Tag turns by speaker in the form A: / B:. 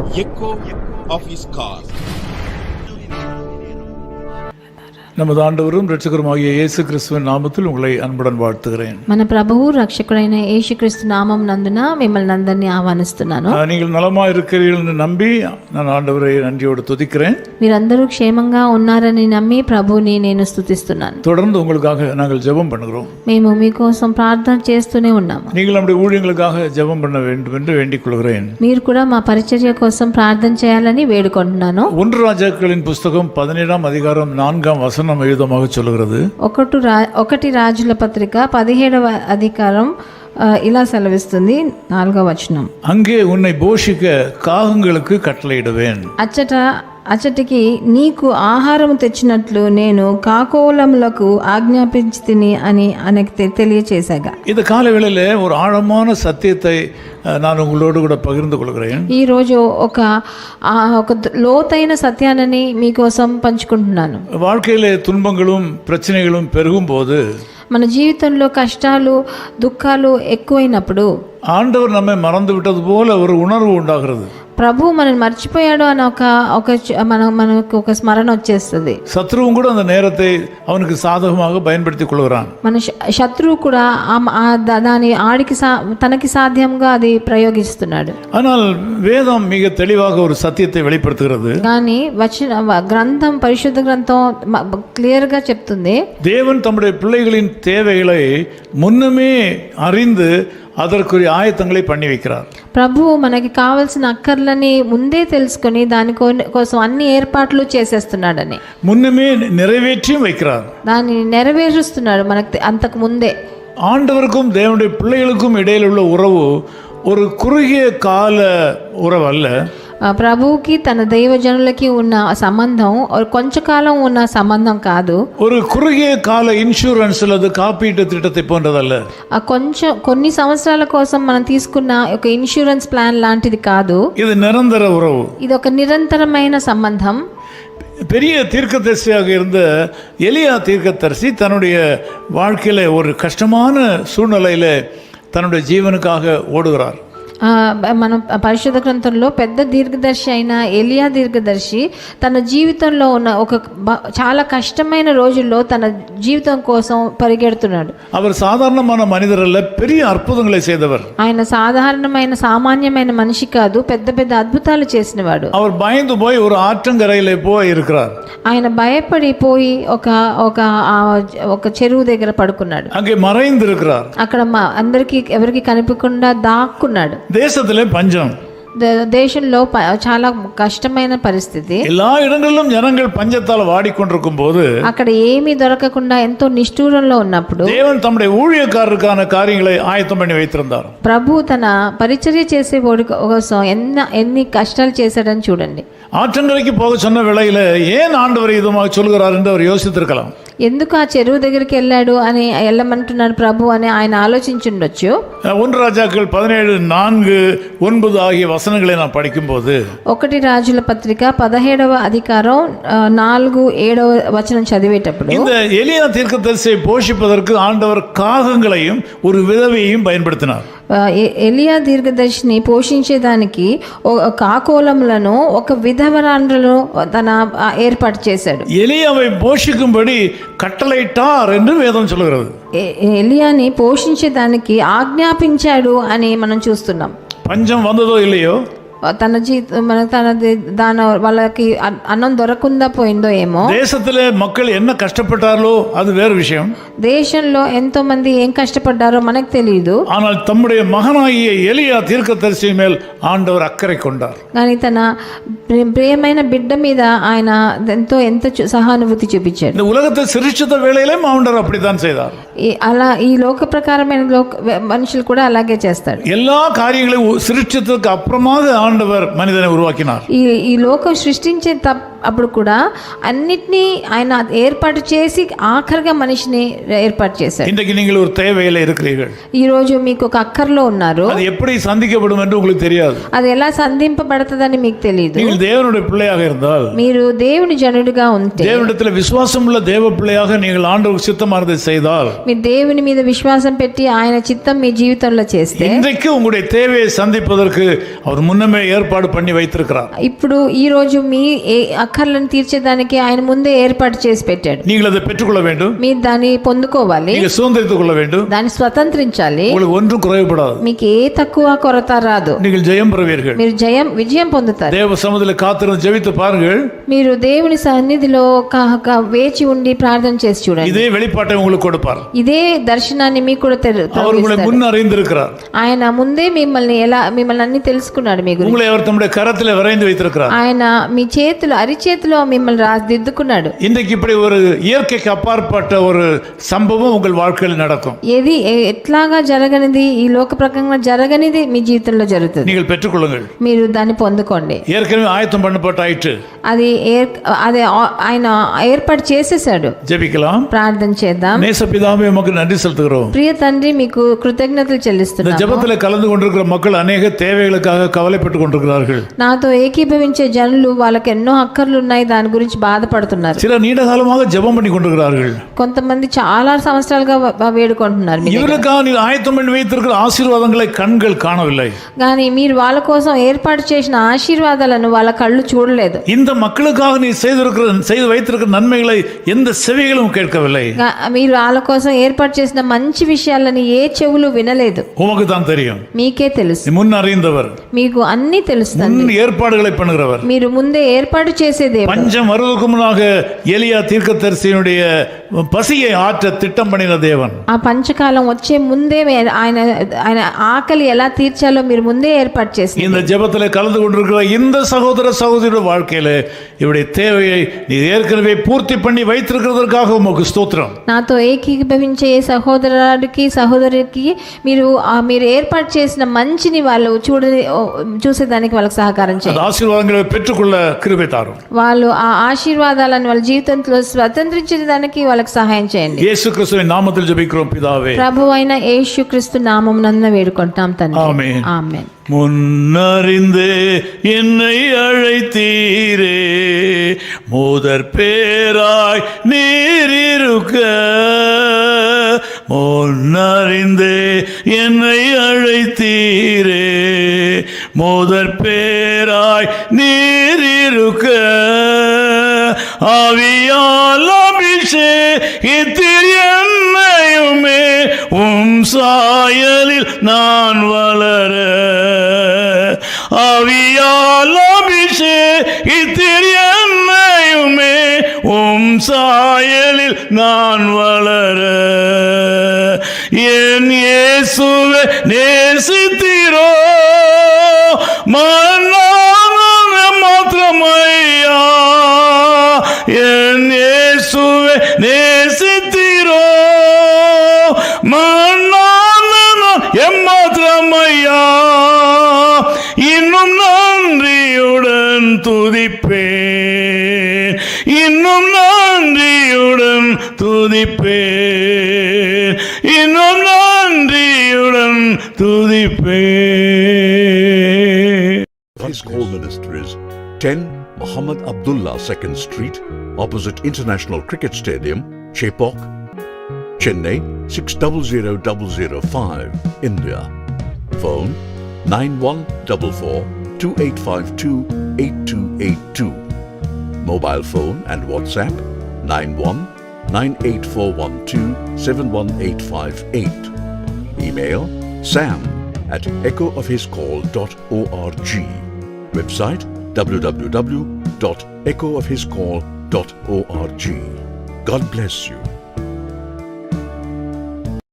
A: echo of his call.
B: நமது ஆண்டவரும் இரட்சகருமாகிய இயேசு கிறிஸ்துவின் நாமத்தில் உங்களை அன்புடன் வாழ்த்துகிறேன்.
C: మన ప్రభువు రక్షకుడైన యేసుక్రీస్తు నామం నందున మిమ్మల్ని అందరినీ ఆహ్వానిస్తున్నాను.
B: நீங்கள் நலமா இருக்கிறீர்கள் என்று நம்பி நான் ஆண்டவரை நன்றியோடு துதிக்கிறேன்.
C: మీరందరూ క్షేమంగా ఉన్నారని నమ్మి ప్రభువుని నేను స్తుతిస్తున్నాను.
B: தொடர்ந்து உங்களுக்காக நாங்கள் ஜெபம் பண்ணுகிறோம்.
C: మేము మీకోసం ప్రార్థన చేస్తూనే ఉన్నాము.
B: நீங்கள் நம்முடைய ஊழியங்களுக்காக ஜெபம் பண்ண வேண்டும் என்று வேண்டிக் கொள்கிறேன்.
C: మీరు కూడా మా పరిచర్య కోసం ప్రార్థన చేయాలని వేడుకుంటున్నాను.
B: 1 రాజాக்களின் పుస్తకం 17వ అధికారం 4వ వచనం విధமாக சொல்கிறது.
C: 1 రాజుల పత్రిక 17వ అధికారం ఇలా సెలవిస్తుంది. 4వ వచనం.
B: அங்கே உன்னை போஷிக்க காகங்களுக்கு கட்டளையிடுவேன்.
C: అచ్చటికి నీకు ఆహారం తెచ్చినట్లు నేను కాకోలములకు ఆజ్ఞాపించితిని అని ఆయనకు తెలియచేశాగా.
B: இந்த காலவேளையிலே ஒரு ஆழமான சத்தியத்தை நான் உங்களோடு கூட பகிர்ந்து கொள்கிறேன்.
C: ఈ రోజు ఒక లోతైన సత్యాన్ని మీకోసం పంచుకుంటున్నాను.
B: வாழ்க்கையிலே துன்பங்களும் பிரச்சனைகளும் பெருகும் போது,
C: మన జీవితంలో కష్టాలు దుఃఖాలు ఎక్కువైనప్పుడు
B: ஆண்டவர் நம்மை மறந்து விட்டது போல ஒரு உணர்வு உண்டாகிறது.
C: ప్రభు మనల్ని మర్చిపోయాడు అని మనకు ఒక స్మరణ వచ్చేస్తుంది.
B: சத்ருவும் கூட அந்த நேரத்தை அவனுக்கு சாதகமாக பயன்படுத்திக் கொள்கிறான்.
C: మన శత్రువు కూడా దాని తనకి సాధ్యంగా అది ప్రయోగిస్తున్నాడు.
B: ஆனால் வேதம் மிக தெளிவாக ஒரு சத்தியத்தை வெளிப்படுத்துகிறது.
C: కానీ గ్రంథం పరిశుద్ధ గ్రంథం క్లియర్ గా చెప్తుంది,
B: தேவன் தம்முடைய பிள்ளைகளின் தேவைகளை முன்னமே அறிந்து அதற்குரிய ஆயத்தங்களை பண்ணி வைக்கிறார்.
C: ప్రభువు మనకి కావాల్సిన అక్కర్లని ముందే తెలుసుకొని దాని కోసం అన్ని ఏర్పాట్లు చేసేస్తున్నాడని,
B: முன்னமே நிறைவேற்றியும் வைக்கிறார்.
C: దాన్ని నెరవేరుస్తున్నాడు మనకి అంతకు ముందే.
B: ஆண்டவருக்கும் தேவனுடைய பிள்ளைகளுக்கும் இடையில் உள்ள உறவு ஒரு குறுகிய கால உறவு அல்ல.
C: ప్రభువుకి తన దైవజనులకి ఉన్న సంబంధం కొంచెంకాలం ఉన్న సంబంధం కాదు.
B: ஒரு குறுகிய கால இன்சூரன்ஸ் அல்லது காப்பீட்டு திட்டத்தை போன்றதல்ல.
C: కొన్ని సంవత్సరాల కోసం మనం తీసుకున్న ఒక ఇన్సూరెన్స్ ప్లాన్ లాంటిది కాదు.
B: இது நிரந்தர உறவு.
C: ఇది ఒక నిరంతరమైన సంబంధం.
B: பெரிய தீர்க்கதரிசியாக இருந்த எலியா தீர்க்கதரிசி தன்னுடைய வாழ்க்கையில ஒரு கஷ்டமான சூழ்நிலையில தன்னுடைய ஜீவனுக்காக ஓடுகிறார்.
C: మనం పరిశుద్ధ గ్రంథంలో పెద్ద దీర్ఘదర్శి అయిన ఎలియా దీర్ఘదర్శి తన జీవితంలో ఉన్న ఒక చాలా కష్టమైన రోజుల్లో తన జీవితం కోసం పరిగెడుతున్నాడు.
B: அவர் சாதாரணமான மனிதர் அல்ல, பெரிய அற்புதங்களை செய்தவர்.
C: ఆయన సాధారణమైన సామాన్యమైన మనిషి కాదు, పెద్ద పెద్ద అద్భుతాలు చేసినవాడు.
B: அவர் பயந்து போய் ஒரு ஆற்றங்கரையிலே போய் இருக்கிறார்.
C: ఆయన భయపడిపోయి ఒక చెరువు దగ్గర పడుకున్నాడు.
B: அங்கே மறைந்து இருக்கிறார்.
C: అక్కడ అందరికి ఎవరికి కనిపించకుండా దాక్కున్నాడు.
B: தேசத்திலே பஞ்சம்.
C: దేశంలో చాలా కష్టమైన పరిస్థితి.
B: எல்லா இடங்களிலும் ஜனங்கள் பஞ்சத்தால் வாடிக்கொண்டிருக்கும் போது,
C: అక్కడ ఏమీ దొరకకుండా ఎంతో నిష్ఠూరంలో ఉన్నప్పుడు
B: தேவன் தம்முடைய ஊழியக்காரருக்கான காரியங்களை ஆயத்தம் பண்ணி வைத்திருந்தார்.
C: ప్రభు తన పరిచర్య చేసే వాడి కోసం ఎన్ని కష్టాలు చేశాడని చూడండి.
B: ஆற்றங்கரைக்கு போக சொன்ன வேளையில ஏன் ஆண்டவர் இதுமாக சொல்கிறார் என்று அவர் யோசித்திருக்கலாம்.
C: ఎందుకు ఆ చెరువు దగ్గరికి వెళ్ళాడు అని వెళ్ళమంటున్నాడు ప్రభు అని ఆయన ఆలోచించుండొచ్చు.
B: 1 రాజాக்கள் 17:4-9 ఆగియ వచనங்களை நான் படிக்கும்போது,
C: 1 రాజుల పత్రిక 17వ అధికారం 4-7వ వచనం చదివేటప్పుడు,
B: இந்த எலியா தீர்க்கதரிசியை போஷிப்பதற்கு ஆண்டவர் காகங்களையும் ஒரு விதவையையும் பயன்படுத்தினார்.
C: ఎలియా దీర్ఘదర్శిని పోషించేదానికి కాకోలములను ఒక విధవరాండ్రను తన ఏర్పాటు చేశాడు.
B: எலியாவை போஷிக்கும்படி கட்டளையிட்டார் என்று வேதம் சொல்கிறது.
C: ఎలియాని పోషించేదానికి ఆజ్ఞాపించాడు అని మనం చూస్తున్నాం.
B: பஞ்சம் வந்ததோ இல்லையோ,
C: వాళ్ళకి అన్నం దొరకకుండా పోయిందో ఏమో,
B: தேசத்திலே மக்கள் என்ன கஷ்டப்பட்டாரோ அது வேறு விஷயம்.
C: దేశంలో ఎంతో మంది ఏం కష్టపడ్డారో మనకు తెలియదు.
B: ஆனால் தம்முடைய மகனாகிய எலியா தீர்க்கதரிசி மேல் ஆண்டவர் அக்கறை கொண்டார்.
C: కానీ తన ప్రియమైన బిడ్డ మీద ఆయన ఎంతో సహానుభూతి చూపించాడు.
B: இந்த உலகத்தை சிருஷ்டித்த வேளையிலும் ஆண்டவர் அப்படித்தான் செய்தார்.
C: అలా ఈ లోక ప్రకారమైన మనుషులు కూడా అలాగే చేస్తాడు.
B: எல்லா காரியங்களையும் சிருஷ்டித்ததுக்கு அப்புறமாக ஆண்டவர் மனிதனை உருவாக்கினார்.
C: ఈ లోకం సృష్టించే అప్పుడు కూడా అన్నిటినీ ఆయన ఏర్పాటు చేసి ఆఖరిగా మనిషిని ఏర్పాటు చేశారు.
B: இன்றைக்கு நீங்கள் ஒரு தேவையில இருக்கிறீர்கள்.
C: ఈ రోజు మీకు ఒక అక్కర్లో ఉన్నారు.
B: அது எப்படி சந்திக்கப்படும் என்று உங்களுக்கு தெரியாது.
C: అది ఎలా సంధింపబడతదని మీకు తెలియదు.
B: நீங்கள் தேவனுடைய பிள்ளையாக இருந்தால்,
C: మీరు దేవుని జనుడిగా ఉంటే,
B: தேவனிடத்தில் விசுவாசம் உள்ள தேவ பிள்ளையாக நீங்கள் ஆண்டவருக்கு சித்தமானதை செய்தால்,
C: మీరు దేవుని మీద విశ్వాసం పెట్టి ఆయన చిత్తం మీ జీవితంలో చేస్తే,
B: இன்றைக்கு உங்களுடைய தேவையை சந்திப்பதற்கு அவர் முன்னமே ஏற்பாடு பண்ணி வைத்திருக்கிறார்.
C: ఇప్పుడు ఈ రోజు మీ అక్కర్లను తీర్చేదానికి ఆయన ముందే ఏర్పాటు చేసి పెట్టాడు.
B: நீங்கள் அதை பெற்றுக்கொள்ள வேண்டும்.
C: మీరు దాన్ని పొందుకోవాలి,
B: நீங்கள் சுதந்திரித்துக் கொள்ள வேண்டும்.
C: దాన్ని స్వతంత్రించాలి.
B: உங்களுக்கு ஒன்றும் குறைவுபடாது.
C: మీకు ఏ తక్కువ కొరత రాదు.
B: நீங்கள் ஜெயம் பெறுவீர்கள்.
C: మీరు విజయం పొందుతారు.
B: தேவ சமூகத்தில் காத்திருந்து ஜெபித்து பாருங்கள்.
C: మీరు దేవుని సన్నిధిలో వేచి ఉండి ప్రార్థన చేసి చూడండి.
B: இதே வெளிப்பாட்டை உங்களுக்கு கொடுப்பார்.
C: ఇదే దర్శనాన్ని మీకు కూడా
B: அவர் உங்களை முன் அறிந்திருக்கிறார்.
C: ఆయన ముందే మిమ్మల్ని అన్ని తెలుసుకున్నాడు. మీ గురించి
B: உங்களை அவர் தம்முடைய கரத்தில் வரைந்து வைத்திருக்கிறார்.
C: ఆయన మీ చేతులు అరిచేతిలో మిమ్మల్ని దిద్దుకున్నాడు.
B: இன்றைக்கு இப்படி ஒரு இயற்கைக்கு అపార్పட்ட ஒரு సంభవం உங்கள் வாழ்க்கையில் நடக்கும்.
C: ఏది ఎట్లాగా జరగనిది, ఈ లోక ప్రకారంగా జరగనిది మీ జీవితంలో జరుగుతుంది.
B: நீங்கள் பெற்றுக்கொள்ளுங்கள்.
C: మీరు దాన్ని పొందుకోండి.
B: ஏற்கனவே ஆயத்தம் பண்ணப்பட்டாயிற்று.
C: అది ఆయన ఏర్పాటు చేసేసాడు.
B: ஜெபிக்கலாம்.
C: ప్రార్థన చేద్దాం.
B: நேசபிதாவே உமக்கு நன்றி செலுத்துகிறோம்.
C: ప్రియ తండ్రి మీకు కృతజ్ఞతలు
B: இந்த
C: చెల్లిస్తున్నాను.
B: ஜெபத்தில் கலந்து கொண்டிருக்கிற மக்கள் அநேக தேவைகளுக்காக கவலைப்பட்டு கொண்டிருக்கிறார்கள்.
C: నాతో ఏకీభవించే జనులు వాళ్ళకి ఎన్నో అక్కర్లు ఉన్నాయి, దాని గురించి బాధపడుతున్నారు.
B: சில நீண்ட காலமாக ஜெபம் பண்ணி கொண்டிருக்கிறார்கள்.
C: కొంతమంది చాలా సంవత్సరాలుగా వేడుకుంటున్నారు.
B: இவருக்காக நீர் ஆயத்தம் பண்ணி வைத்திருக்கிற ஆசீர்வாதங்களை கண்கள் காணவில்லை.
C: కానీ మీరు వాళ్ళ కోసం ఏర్పాటు చేసిన ఆశీర్వాదాలను వాళ్ళ కళ్ళు చూడలేదు.
B: இந்த மக்களுக்காக நீ செய்து வைத்திருக்கிற நன்மைகளை எந்த செவிகளும் கேட்கவில்லை.
C: మీరు వాళ్ళ కోసం ఏర్పాటు చేసిన మంచి విషయాలని ఏ చెవులు వినలేదు.
B: உமக்கு தான் தெரியும்.
C: మీకే తెలుసు.
B: முன் அறிந்தவர்,
C: మీకు అన్ని తెలుస్తుంది.
B: முன் ஏற்பாடுகளை பண்ணுகிறவர்.
C: మీరు ముందే ఏర్పాటు చేసేదే.
B: பஞ்சம் வருவதற்கு முன்னாக எலியா தீர்க்கதரிசியினுடைய பசியை ஆற்ற திட்டம் பண்ணின தேவன்.
C: ఆ పంచకాలం వచ్చే ముందే ఆయన ఆకలి ఎలా తీర్చాలో మీరు ముందే ఏర్పాటు చేసి
B: இந்த ஜெபத்தில் கலந்து கொண்டிருக்கிற இந்த சகோதர சகோதரியோட வாழ்க்கையில இவருடைய தேவையை நீ ஏற்கனவே பூர்த்தி பண்ணி வைத்திருக்கிறதற்காக உமக்கு ஸ்தோத்திரம்.
C: నాతో ఏకీభవించే సహోదరుడికి సహోదరికి మీరు ఏర్పాటు చేసిన మంచిని వాళ్ళు చూసేదానికి వాళ్ళకి సహకారం చేయండి.
B: ఆశీర్వాదங்களை பெற்றுக்கொள்ள கிருபை தாரும்.
C: వాళ్ళు ఆ ఆశీర్వాదాలను వాళ్ళ జీవితంలో స్వతంత్రించడానికి వాళ్ళకి సహాయం చేయండి.
B: యేసు క్రీస్తువిன் నామத்தில் ஜெபிக்கிறோம் பிதாவே.
C: ప్రభువైన యేసుక్రీస్తు నామమున వేడుకుంటాం తండ్రి.
B: ఆమేన్.
C: ఆమేన్.
B: முன்னறிந்தே என்னை அழைத்தீரே, முதற் பேராய் நீரிருக்க. முன்னறிந்தே என்னை அழைத்தீரே, முதற் பேராய் நீரிருக்க. ஆவியால் அபிஷேகித்தீர் என்னையுமே, சாயலில் நான் வளர. ஆவியால் அபிஷேகித்தீர் என்னையுமே, சாயலில் நான் வளர. என் இயேசுவே நேசித்தீரோ, மாத்திரமையா. என் இயேசுவே நேசித்தீரோ, எம்மாத்திரமையா. இன்னும் நன்றியுடன் துதிப்பேன், இன்னும் நன்றியுடன் துதிப்பேன், இன்னும் நன்றியுடன் துதிப்பேன்.
D: His call ministries 10 Muhammad Abdullah 2nd Street, opposite International Cricket Stadium, Chepauk, Chennai 600005, India. Phone 914428528282. Mobile phone and WhatsApp 919841271858. Email sam@echoofhiscall.org. Website www.echoofhiscall.org. God bless you.